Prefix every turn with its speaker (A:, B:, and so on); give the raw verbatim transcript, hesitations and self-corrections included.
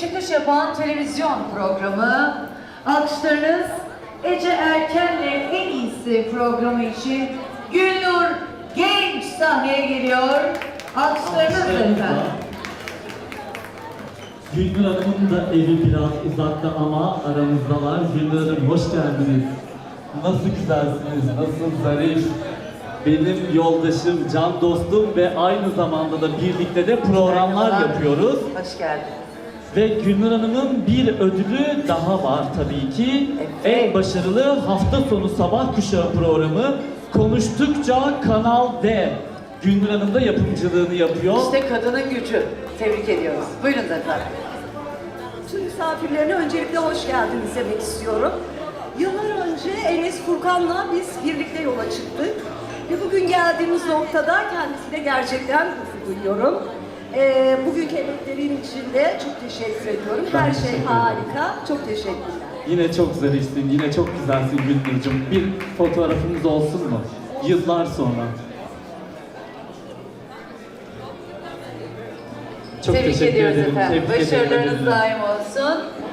A: çıkış yapan televizyon programı. Alkışlarınız Ece Erken'le En İyisi programı için Gülnur Genç sahneye geliyor. Alkışlarınız efendim.
B: Gülnur Hanım'ın da evi biraz uzakta ama aramızdalar. Gülnur Hanım hoş geldiniz. Nasıl güzelsiniz, nasıl zarif. Benim yoldaşım, can dostum ve aynı zamanda da birlikte de programlar
A: Merhabalar.
B: yapıyoruz.
A: Hoş geldin.
B: Ve Gülnur Hanım'ın bir ödülü daha var tabii ki.
A: Evet.
B: En başarılı hafta sonu sabah kuşağı programı Konuştukça Kanal D. Gülnur Hanım da yapımcılığını yapıyor.
A: İşte kadının gücü. Tebrik ediyoruz. Buyurun efendim.
C: Tüm misafirlerine öncelikle hoş geldiniz demek istiyorum. Yıllar önce Enes Furkan'la biz birlikte yola çıktık. Ve bugün geldiğimiz noktada kendisine gerçekten gurur duyuyorum. Ee, bugünkü emeklerin için de çok teşekkür ediyorum.
B: Ben
C: Her
B: teşekkür
C: şey
B: ederim.
C: harika. Çok teşekkürler.
B: Yine çok zarifsin, yine çok güzelsin Gülnur'cum. Bir fotoğrafımız olsun mu? Yıllar sonra. Çok
A: Tebrik
B: teşekkür
A: ediyoruz
B: ederim.
A: efendim.
B: Tebrik ederim.
A: Başarılarınız daim olsun.